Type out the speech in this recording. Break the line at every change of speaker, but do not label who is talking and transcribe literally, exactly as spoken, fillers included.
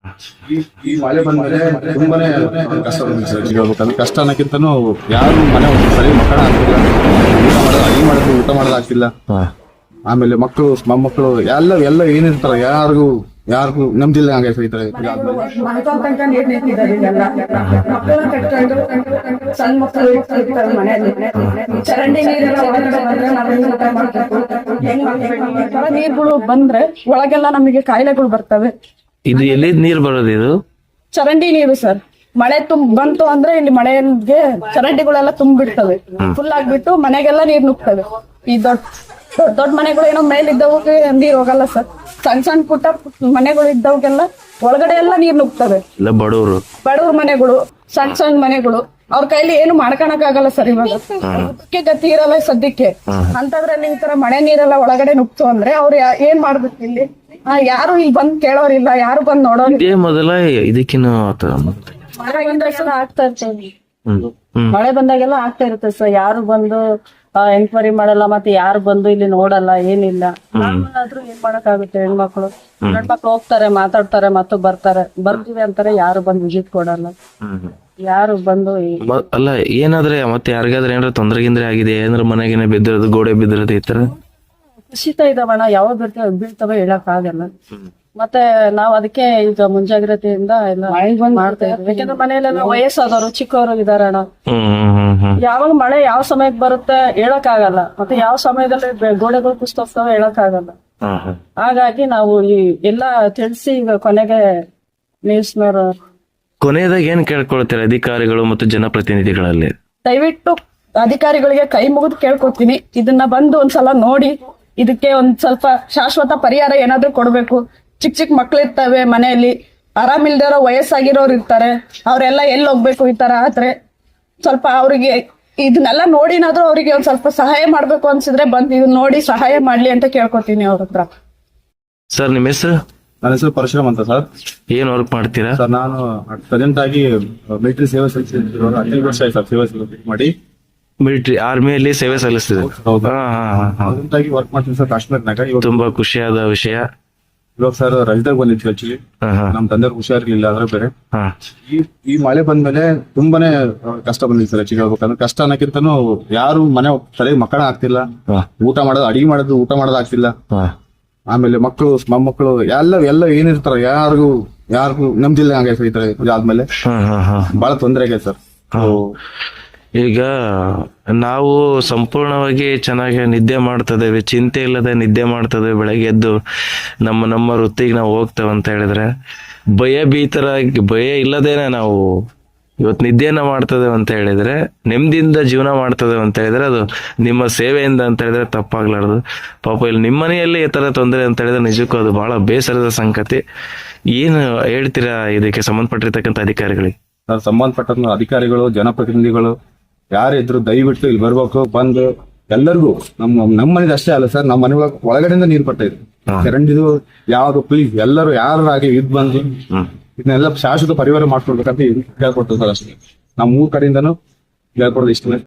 ಈ ಈ ಮಳೆ ಬಂದ್ಮೇಲೆ ತುಂಬಾನೇ ಕಷ್ಟ ಬಂದಿದೆ ಸರ್. ಹೇಳ್ಬೇಕಂದ್ರೆ ಕಷ್ಟ ಅನ್ನಕ್ಕಿಂತನೂ ಯಾರು ಮನೆ ಸರಿ ಮಕ್ಕಳ ಆಗ್ತಿಲ್ಲ, ಊಟ ಮಾಡೋದು ಅಡಿಗೆ ಮಾಡೋದು ಊಟ ಮಾಡೋದಾಗ್ತಿಲ್ಲ. ಆಮೇಲೆ ಮಕ್ಕಳು ಮೊಮ್ಮಕ್ಕಳು ಎಲ್ಲ ಎಲ್ಲ ಏನಿರ್ತಾರ ಯಾರಿಗೂ ಯಾರಿಗೂ ನಮ್ದಿಲ್ಲ ಹಂಗೆ ಸಹಿತ
ಸಣ್ಣ ಮಕ್ಕಳು ಮನೆಯಲ್ಲಿ ಚರಂಡಿ ನೀರುಗಳು ಬಂದ್ರೆ ಒಳಗೆಲ್ಲ ನಮಗೆ ಕಾಯಿಲೆಗಳು ಬರ್ತವೆ.
ಇದು ಎಲ್ಲಿ ನೀರ್ ಬರೋದು? ಇದು
ಚರಂಡಿ ನೀರು ಸರ್. ಮಳೆ ತುಂಬ ಬಂತು ಅಂದ್ರೆ ಇಲ್ಲಿ ಮಳೆಗೆ ಚರಂಡಿಗಳೆಲ್ಲ ತುಂಬಿಡ್ತವೆ, ಫುಲ್ ಆಗ್ಬಿಟ್ಟು ಮನೆಗೆಲ್ಲ ನೀರ್ ನುಗ್ತವೆ. ಈ ದೊಡ್ಡ ದೊಡ್ಡ ದೊಡ್ಡ ಮನೆಗಳು ಏನೋ ಮೇಲಿದ್ದವಕ್ಕೆ ನೀರ್ ಹೋಗಲ್ಲ ಸರ್. ಸಣ್ಣ ಸಣ್ಣ ಪುಟ್ಟ ಮನೆಗಳು ಇದ್ದವಕ್ಕೆಲ್ಲ ಒಳಗಡೆ ಎಲ್ಲ ನೀರ್ ನುಗ್ತವೆ.
ಎಲ್ಲ ಬಡವರು
ಬಡವ್ರ ಮನೆಗಳು, ಸಣ್ಣ ಸಣ್ಣ ಮನೆಗಳು, ಅವ್ರ ಕೈಲಿ ಏನು ಮಾಡ್ಕೊಳಕ್ ಆಗಲ್ಲ ಸರ್. ಇವಾಗ ಅದಕ್ಕೆ ಗತಿ ಇರಲ್ಲ ಸದ್ಯಕ್ಕೆ. ಅಂತದ್ರಲ್ಲಿ ಈ ತರ ಮಳೆ ನೀರೆಲ್ಲ ಒಳಗಡೆ ನುಗ್ತು ಅಂದ್ರೆ ಅವ್ರು ಏನ್ ಮಾಡ್ಬೇಕು ಇಲ್ಲಿ? ಯಾರು ಇಲ್ಲಿ ಬಂದ್ ಕೇಳೋರಿಲ್ಲ, ಯಾರು ಬಂದ್ ನೋಡೋರಿಲ್ಲ.
ಮೊದಲ ಇದಕ್ಕಿನ್ನು
ಮಳೆ ಬಂದಾಗೆಲ್ಲ ಆಗ್ತಾ ಇರ್ತದೆ ಮಳೆ ಬಂದಾಗೆಲ್ಲ ಆಗ್ತಾ ಇರುತ್ತೆ ಸರ್. ಯಾರು ಬಂದು ಎನ್ಕ್ವೈರಿ ಮಾಡಲ್ಲ, ಮತ್ತೆ ಯಾರು ಬಂದು ಇಲ್ಲಿ ನೋಡಲ್ಲ, ಏನಿಲ್ಲ. ಆದ್ರೂ ಏನ್ ಮಾಡಕ್ ಆಗುತ್ತೆ? ಹೆಣ್ಮಕ್ಳು ಹೆಣ್ಮಕ್ಳು ಹೋಗ್ತಾರೆ, ಮಾತಾಡ್ತಾರೆ, ಮತ್ತು ಬರ್ತಾರೆ. ಬರ್ತೀವಿ ಅಂತಾರೆ, ಯಾರು ಬಂದು ವಿಸಿಟ್ ಕೊಡಲ್ಲ, ಯಾರು ಬಂದು.
ಅಲ್ಲ ಏನಾದ್ರೆ ಮತ್ತೆ ಯಾರಿಗಾದ್ರೆ ಏನಾರ ತೊಂದ್ರೆ ಗಿಂದ್ರೆ ಆಗಿದೆ, ಏನಾರ ಮನೆಗೇನೆ ಬಿದ್ದಿರೋದು, ಗೋಡೆ ಬಿದ್ದಿರೋದು, ಈ ತರ
ಕುಸಿತ ಇದಾವಣ್ಣ. ಯಾವಾಗ ಬೀಳ್ತವೆ ಬೀಳ್ತವೆ ಹೇಳಕ್ ಆಗಲ್ಲ. ಮತ್ತೆ ನಾವ್ ಅದಕ್ಕೆ ಈಗ ಮುಂಜಾಗ್ರತೆಯಿಂದ ಎಲ್ಲ ಮಾಡ್ತಾ ಇದ್ವಿ. ಯಾಕಂದ್ರೆ ಮನೆಯಲ್ಲೆಲ್ಲ ವಯಸ್ಸಾದವರು, ಚಿಕ್ಕವರು ಇದಾರೆ ಅಣ್ಣ. ಯಾವಾಗ ಮಳೆ ಯಾವ ಸಮಯಕ್ಕೆ ಬರುತ್ತೆ ಹೇಳಕ್ ಆಗಲ್ಲ, ಮತ್ತೆ ಯಾವ ಸಮಯದಲ್ಲಿ ಗೋಡೆಗಳು ಕುಸ್ತೋಗ್ತವೆ ಹೇಳಕ್ ಆಗಲ್ಲ. ಹಾಗಾಗಿ ನಾವು ಈ ಎಲ್ಲಾ ತಿಳಿಸಿ ಈಗ ಕೊನೆಗೆ ನ್ಯೂಸ್ನವರು
ಕೊನೆಯದಾಗ ಏನ್ ಕೇಳ್ಕೊಳ್ತಾರೆ ಅಧಿಕಾರಿಗಳು ಮತ್ತು ಜನಪ್ರತಿನಿಧಿಗಳಲ್ಲಿ?
ದಯವಿಟ್ಟು ಅಧಿಕಾರಿಗಳಿಗೆ ಕೈ ಮುಗಿದು ಕೇಳ್ಕೊತೀನಿ, ಇದನ್ನ ಬಂದು ಒಂದ್ಸಲ ನೋಡಿ ಇದಕ್ಕೆ ಒಂದ್ ಸ್ವಲ್ಪ ಶಾಶ್ವತ ಪರಿಹಾರ ಏನಾದ್ರು ಕೊಡ್ಬೇಕು. ಚಿಕ್ಕ ಚಿಕ್ಕ ಮಕ್ಳು ಇರ್ತವೆ ಮನೆಯಲ್ಲಿ, ಆರಾಮಿಲ್ದಿರೋ ವಯಸ್ಸಾಗಿರೋರು ಇರ್ತಾರೆ, ಅವ್ರೆಲ್ಲ ಎಲ್ಲಿ ಹೋಗ್ಬೇಕು ಈ ತರ ಆದ್ರೆ. ಸ್ವಲ್ಪ ಅವ್ರಿಗೆ ಇದನ್ನೆಲ್ಲ ನೋಡಿನಾದ್ರೂ ಅವ್ರಿಗೆ ಒಂದ್ ಸ್ವಲ್ಪ ಸಹಾಯ ಮಾಡ್ಬೇಕು ಅನ್ಸಿದ್ರೆ ಬಂದ್ ಇದನ್ನ ನೋಡಿ ಸಹಾಯ ಮಾಡ್ಲಿ ಅಂತ ಕೇಳ್ಕೊತೀನಿ ಅವ್ರ ಹತ್ರ.
ಸರ್ ನಿಮ್ಮ ಹೆಸರು?
ನನ್ನ ಹೆಸರು ಪರಶುರಾಮ್ ಅಂತ ಸರ್.
ಏನ್ ವರ್ಕ್ ಮಾಡ್ತೀರಾ
ಸರ್? ನಾನು ಪ್ರೆಸೆಂಟ್ ಆಗಿ ಮಿಲಿಟರಿ ಸೇವೆ ಸಲ್ಲಿಸಿದ್ರು. ಹದಿನೈದು ವರ್ಷ ಆಯ್ತು ಸರ್ ಸೇವೆ ಮಾಡಿ.
ಮಿಲಿಟರಿ ಆರ್ಮಿಯಲ್ಲಿ ಸೇವೆ ಸಲ್ಲಿಸ್ತಿದೆ.
ಪ್ರೆಸೆಂಟ್ ಆಗಿ ವರ್ಕ್ ಮಾಡ್ತೀನಿ ಸರ್ ಕಾಶ್ಮೀರ್ನಾಗ. ಇವಾಗ
ತುಂಬಾ ಖುಷಿಯಾದ ವಿಷಯ.
ಇವಾಗ ಸರ್ ರಜದಾಗ ಬಂದಿತ್ತು ಆಕ್ಚುಲಿ. ನಮ್ ತಂದೆ ಹುಷಾರಿರ್ಲಿಲ್ಲ, ಅದ್ರ ಬೇರೆ ಈ ಈ ಮಳೆ ಬಂದ್ಮೇಲೆ ತುಂಬಾನೇ ಕಷ್ಟ ಬಂದಿದೆ ಸರ್. ಆಕ್ಚುಲಿ ಹೇಳ್ಬೇಕಂದ್ರೆ ಕಷ್ಟ ಅನ್ನಕ್ಕಿಂತನೂ ಯಾರು ಮನೆ ಸರಿಯಾಗಿ ಮಕ್ಕಳ ಆಗ್ತಿಲ್ಲ, ಊಟ ಮಾಡೋದು ಅಡಿಗೆ ಮಾಡೋದು ಊಟ ಮಾಡೋದು ಆಗ್ತಿಲ್ಲ. ಆಮೇಲೆ ಮಕ್ಕಳು ಮೊಮ್ಮಕ್ಕಳು ಎಲ್ಲ ಎಲ್ಲ ಏನಿರ್ತಾರ ಯಾರಿಗೂ ಯಾರಿಗೂ ನಮ್ದಿಲ್ಲ ಹಂಗೆ ಸಹಿತ ಇದಾದ್ಮೇಲೆ ಬಹಳ ತೊಂದರೆ ಆಗಿದೆ ಸರ್.
ಈಗ ನಾವು ಸಂಪೂರ್ಣವಾಗಿ ಚೆನ್ನಾಗಿ ನಿದ್ದೆ ಮಾಡ್ತದೇವೆ, ಚಿಂತೆ ಇಲ್ಲದೆ ನಿದ್ದೆ ಮಾಡ್ತದೆ, ಬೆಳಗ್ಗೆ ಎದ್ದು ನಮ್ಮ ನಮ್ಮ ವೃತ್ತಿಗೆ ನಾವು ಹೋಗ್ತೇವೆ ಅಂತ ಹೇಳಿದ್ರೆ, ಭಯ ಭೀತರಾಗಿ ಭಯ ಇಲ್ಲದೇನೆ ನಾವು ಇವತ್ತು ನಿದ್ದೆಯನ್ನ ಮಾಡ್ತದೇವೆ ಅಂತ ಹೇಳಿದ್ರೆ, ನೆಮ್ಮದಿಯಿಂದ ಜೀವನ ಮಾಡ್ತದೇವೆ ಅಂತ ಹೇಳಿದ್ರೆ ಅದು ನಿಮ್ಮ ಸೇವೆಯಿಂದ ಅಂತ ಹೇಳಿದ್ರೆ ತಪ್ಪಾಗ್ಲಾರ್ದು. ಪಾಪ ಇಲ್ಲಿ ನಿಮ್ಮ ಮನೆಯಲ್ಲಿ ಈ ತರ ತೊಂದರೆ ಅಂತ ಹೇಳಿದ್ರೆ ನಿಜಕ್ಕೂ ಅದು ಬಹಳ ಬೇಸರದ ಸಂಗತಿ. ಏನು ಹೇಳ್ತೀರಾ ಇದಕ್ಕೆ ಸಂಬಂಧಪಟ್ಟಿರ್ತಕ್ಕಂಥ ಅಧಿಕಾರಿಗಳಿಗೆ?
ಸಂಬಂಧಪಟ್ಟ ಅಧಿಕಾರಿಗಳು, ಜನಪ್ರತಿನಿಧಿಗಳು ಯಾರಿದ್ರು ದಯವಿಟ್ಟು ಇಲ್ಲಿ ಬರ್ಬೇಕು. ಬಂದು ಎಲ್ಲರಿಗೂ ನಮ್ಮ ನಮ್ಮ ಮನೇದು ಅಷ್ಟೇ ಅಲ್ಲ ಸರ್, ನಮ್ಮ ಮನೆ ಒಳಗಡೆಯಿಂದ ನೀರು ಬರ್ತಾ ಇದೆ. ಚರಂಡಿದು ಯಾವ್ದು ಪ್ಲೀಸ್ ಎಲ್ಲರೂ ಯಾರಾಗಿ ಇದ್ ಬಂದು ಇದನ್ನೆಲ್ಲ ಶಾಶ್ವತ ಪರಿಹಾರ ಮಾಡ್ಕೊಳ್ಬೇಕಂತ ಕೇಳ್ಕೊಡ್ತೀವಿ ಸರ್. ಅಷ್ಟೇ ನಮ್ಮ ಮೂರ್ ಕಡೆಯಿಂದನೂ ಹೇಳ್ಕೊಡೋದು ಇಷ್ಟೇ.